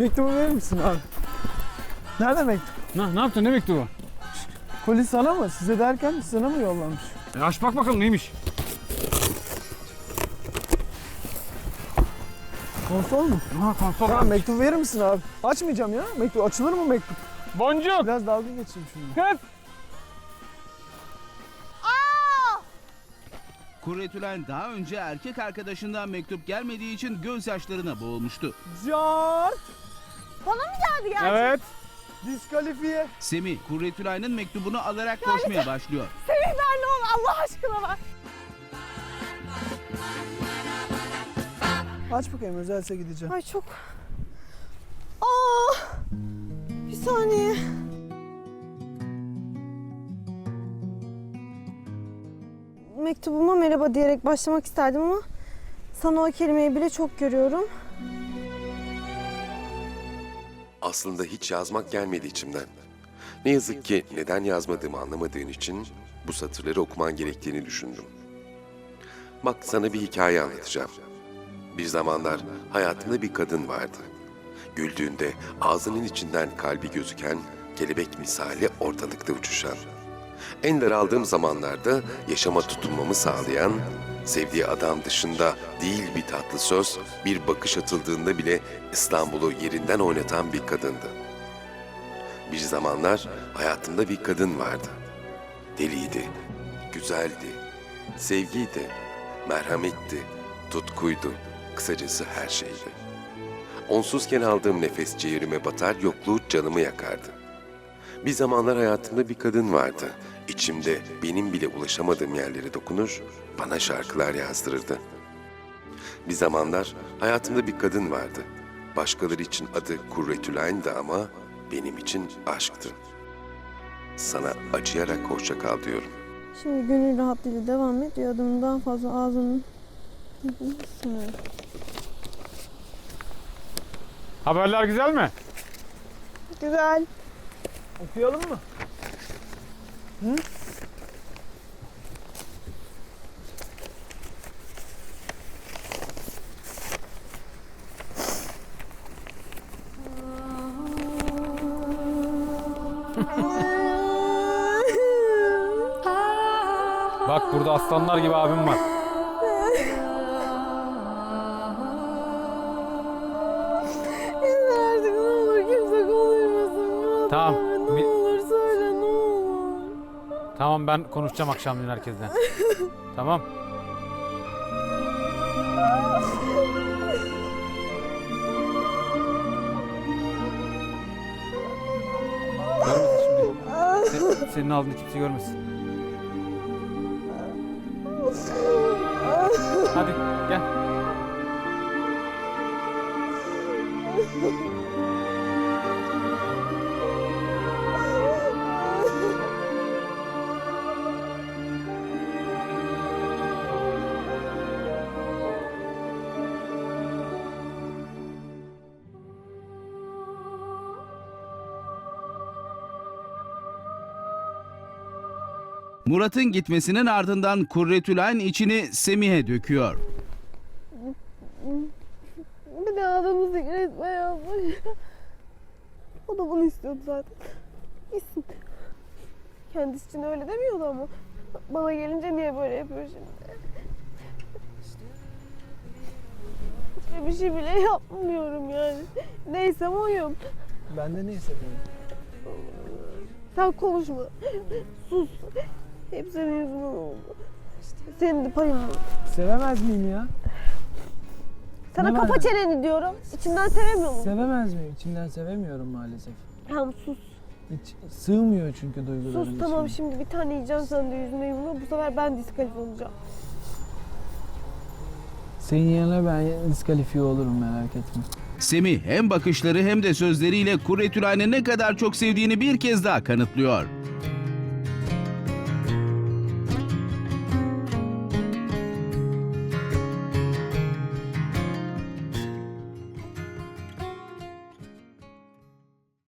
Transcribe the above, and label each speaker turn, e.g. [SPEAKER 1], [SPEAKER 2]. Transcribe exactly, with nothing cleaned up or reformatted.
[SPEAKER 1] Mektubu verir misin abi? Nerede mektup?
[SPEAKER 2] Ne, ne yaptın? Ne mektubu?
[SPEAKER 1] Koli sana mı? Size derken sana mı yollamış?
[SPEAKER 2] E aç bak bakalım neymiş?
[SPEAKER 1] Konsol mu?
[SPEAKER 2] Ha konsol.
[SPEAKER 1] Tamam, mektup verir misin abi? Açmayacağım ya. Mektup açılır mı mektup?
[SPEAKER 2] Boncuk.
[SPEAKER 1] Biraz dalga geçeyim şimdi.
[SPEAKER 2] Kız.
[SPEAKER 3] Kurretülen daha önce erkek arkadaşından mektup gelmediği için gözyaşlarına boğulmuştu.
[SPEAKER 1] Cart!
[SPEAKER 4] Bana mı geldi gerçekten?
[SPEAKER 2] Evet.
[SPEAKER 1] Diskalifiye.
[SPEAKER 3] Semih, Kurretülen'in mektubunu alarak koşmaya başlıyor.
[SPEAKER 4] Semih ver ne olur Allah aşkına ver.
[SPEAKER 1] Aç bakayım, özelse gideceğim.
[SPEAKER 4] Ay çok... Aa! Bir saniye. Mektubuma merhaba diyerek başlamak isterdim ama sana o kelimeyi bile çok görüyorum.
[SPEAKER 5] Aslında hiç yazmak gelmedi içimden. Ne yazık ki neden yazmadığımı anlamadığın için bu satırları okuman gerektiğini düşündüm. Bak, sana bir hikaye anlatacağım. Bir zamanlar hayatımda bir kadın vardı. Güldüğünde ağzının içinden kalbi gözüken, kelebek misali ortalıkta uçuşan. En daraldığım zamanlarda yaşama tutunmamı sağlayan, sevdiği adam dışında değil bir tatlı söz, bir bakış atıldığında bile İstanbul'u yerinden oynatan bir kadındı. Bir zamanlar hayatımda bir kadın vardı. Deliydi, güzeldi, sevgiydi, merhametti, tutkuydu, kısacası her şeydi. Onsuzken aldığım nefes ciğerime batar, yokluğu canımı yakardı. Bir zamanlar hayatımda bir kadın vardı. İçimde benim bile ulaşamadığım yerlere dokunur, bana şarkılar yazdırırdı. Bir zamanlar hayatımda bir kadın vardı. Başkaları için adı Kurretülen'di ama benim için aşktı. Sana acıyarak hoşça kal diyorum.
[SPEAKER 4] Şimdi gönül rahatlığıyla devam et. Adımın daha fazla ağzının...
[SPEAKER 2] Haberler güzel mi?
[SPEAKER 4] Güzel.
[SPEAKER 1] Okuyalım mı? Hı?
[SPEAKER 2] Bak burada aslanlar gibi abim var.
[SPEAKER 4] Yeter artık ne olur kimse konuşmasın. Murat
[SPEAKER 2] Tamam.
[SPEAKER 4] abi, ne
[SPEAKER 2] Bir-
[SPEAKER 4] olur söyle ne olur.
[SPEAKER 2] Tamam, ben konuşacağım akşamleyin herkesle. Tamam. Görmesin şimdi. Se- senin aldığını kimse görmesin. Hadi gel.
[SPEAKER 3] Murat'ın gitmesinin ardından Kurretülen içini Semih'e döküyor.
[SPEAKER 4] Bir de adamı resme yazmış. O da bunu istiyordu zaten. Gitsin. Kendisi için öyle demiyordu ama. Bana gelince niye böyle yapıyor şimdi? Hiçbir bir şey bile yapmıyorum yani. Neysem oyum.
[SPEAKER 1] Ben de neyse benim.
[SPEAKER 4] Sen konuşma. Sus. Hep senin yüzünden oldu. Senin de payın var.
[SPEAKER 1] Sevemez miyim ya?
[SPEAKER 4] Sana
[SPEAKER 1] Ne var
[SPEAKER 4] kapa
[SPEAKER 1] ya?
[SPEAKER 4] çeneni diyorum. İçimden sevemiyor musun?
[SPEAKER 1] Sevemez miyim? İçimden sevemiyorum maalesef.
[SPEAKER 4] Tamam sus.
[SPEAKER 1] Hiç sığmıyor çünkü duygularım
[SPEAKER 4] Sus tamam
[SPEAKER 1] içime.
[SPEAKER 4] şimdi bir tane yiyeceğim sen de yüzüne yumruğu. Bu sefer ben diskalifiye olacağım.
[SPEAKER 1] Senin yerine ben diskalifiye olurum, merak etme.
[SPEAKER 3] Semih hem bakışları hem de sözleriyle Kurretülen'i ne kadar çok sevdiğini bir kez daha kanıtlıyor.